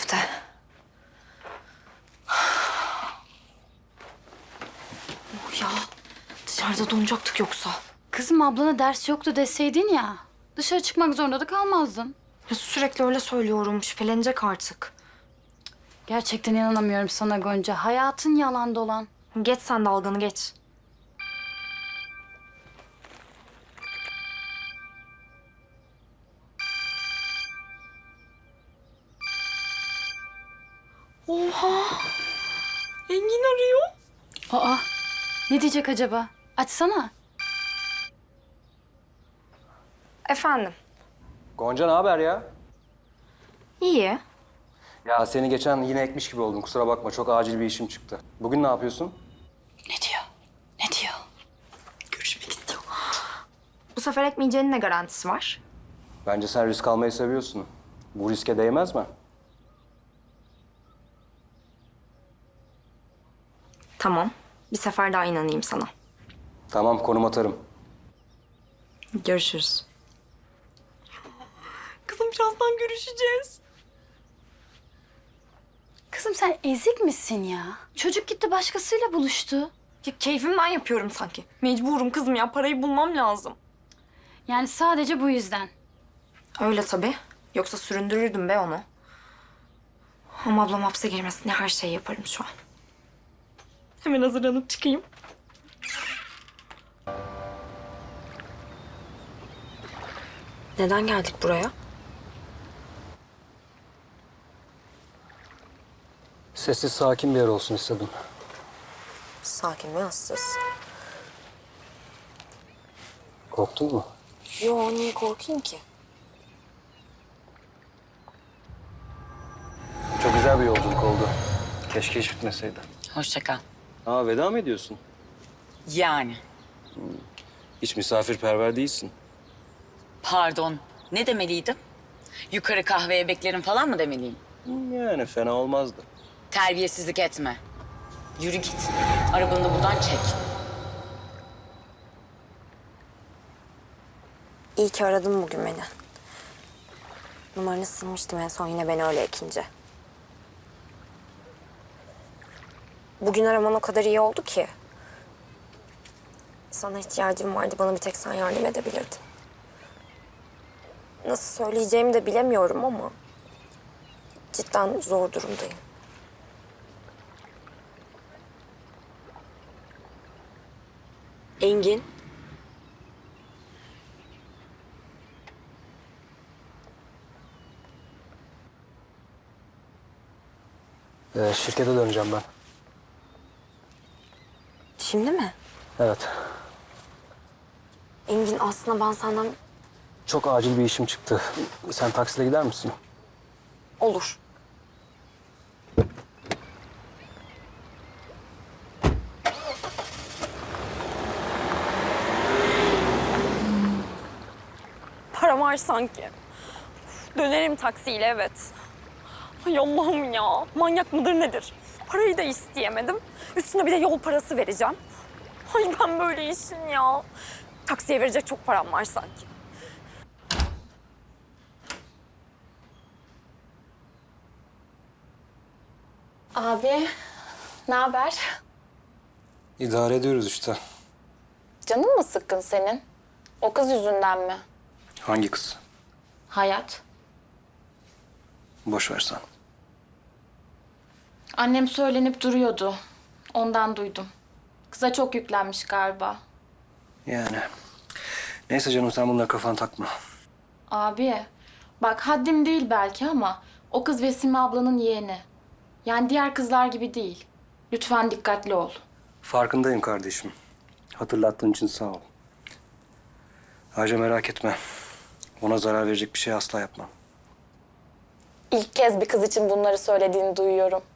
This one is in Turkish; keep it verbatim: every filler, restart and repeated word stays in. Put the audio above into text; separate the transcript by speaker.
Speaker 1: işte. Oh ya, dışarıda donacaktık yoksa.
Speaker 2: Kızım ablana ders yoktu deseydin ya. Dışarı çıkmak zorunda da kalmazdın.
Speaker 1: Ya sürekli öyle söylüyorum, şüphelenecek artık.
Speaker 2: Gerçekten inanamıyorum sana Gonca. Hayatın yalan dolan.
Speaker 1: Geç sen dalganı geç. Oha! Engin arıyor.
Speaker 2: Aa, ne diyecek acaba? Açsana.
Speaker 1: Efendim?
Speaker 3: Gonca ne haber ya?
Speaker 1: İyi.
Speaker 3: Ya seni geçen yine ekmiş gibi oldum. Kusura bakma çok acil bir işim çıktı. Bugün ne yapıyorsun?
Speaker 2: Ne diyor? Ne diyor?
Speaker 1: Görüşmek istiyor. Bu sefer ekmeyeceğinin ne garantisi var?
Speaker 3: Bence sen risk almayı seviyorsun. Bu riske değmez mi?
Speaker 1: Tamam. Bir sefer daha inanayım sana.
Speaker 3: Tamam konum atarım.
Speaker 1: Görüşürüz. Kızım birazdan görüşeceğiz.
Speaker 2: Kızım sen ezik misin ya? Çocuk gitti başkasıyla buluştu.
Speaker 1: Ya keyfimden yapıyorum sanki. Mecburum kızım ya. Parayı bulmam lazım.
Speaker 2: Yani sadece bu yüzden.
Speaker 1: Öyle tabii. Yoksa süründürürdüm be onu. Ama ablam hapse girmesin diye her şeyi yaparım şu an. Hemen hazırlanıp çıkayım. Neden geldik buraya?
Speaker 3: Sessiz sakin bir yer olsun istedim.
Speaker 1: Sakin ve ıssız.
Speaker 3: Korktun mu?
Speaker 1: Yo, niye korkayım ki?
Speaker 3: Çok güzel bir yolculuk oldu. Keşke hiç bitmeseydi.
Speaker 4: Hoşça kal.
Speaker 3: Aa veda mı ediyorsun?
Speaker 4: Yani.
Speaker 3: Hiç misafirperver değilsin.
Speaker 4: Pardon. Ne demeliydim? Yukarı kahveye beklerim falan mı demeliyim?
Speaker 3: Yani fena olmazdı.
Speaker 4: Terbiyesizlik etme. Yürü git. Arabanı da buradan çek.
Speaker 1: İyi ki aradın bugün beni. Numaranı silmiştim en son yine beni öyle ekince. Bugün araman o kadar iyi oldu ki. Sana ihtiyacım vardı. Bana bir tek sen yardım edebilirdin. Nasıl söyleyeceğimi de bilemiyorum ama... cidden zor durumdayım. Engin.
Speaker 3: Ee, şirkete döneceğim ben.
Speaker 1: Şimdi mi?
Speaker 3: Evet.
Speaker 1: Engin aslında ben senden...
Speaker 3: Çok acil bir işim çıktı. Sen taksiyle gider misin?
Speaker 1: Olur. Para var sanki. Uf, dönerim taksiyle evet. Ay Allah'ım ya. Manyak mıdır nedir? Parayı da isteyemedim. Üstüne bir de yol parası vereceğim. Ay ben böyle işin ya. Taksiye verecek çok param var sanki.
Speaker 5: Abi, ne haber?
Speaker 3: İdare ediyoruz işte.
Speaker 5: Canın mı sıkkın senin? O kız yüzünden mi?
Speaker 3: Hangi kız?
Speaker 5: Hayat.
Speaker 3: Boş ver sen.
Speaker 5: Annem söylenip duruyordu. Ondan duydum. Kıza çok yüklenmiş galiba.
Speaker 3: Yani. Neyse canım sen bunlara kafanı takma.
Speaker 5: Abi, bak haddim değil belki ama o kız Vesime ablanın yeğeni. Yani diğer kızlar gibi değil. Lütfen dikkatli ol.
Speaker 3: Farkındayım kardeşim. Hatırlattığın için sağ ol. Ayrıca merak etme. Ona zarar verecek bir şey asla yapmam.
Speaker 5: İlk kez bir kız için bunları söylediğini duyuyorum.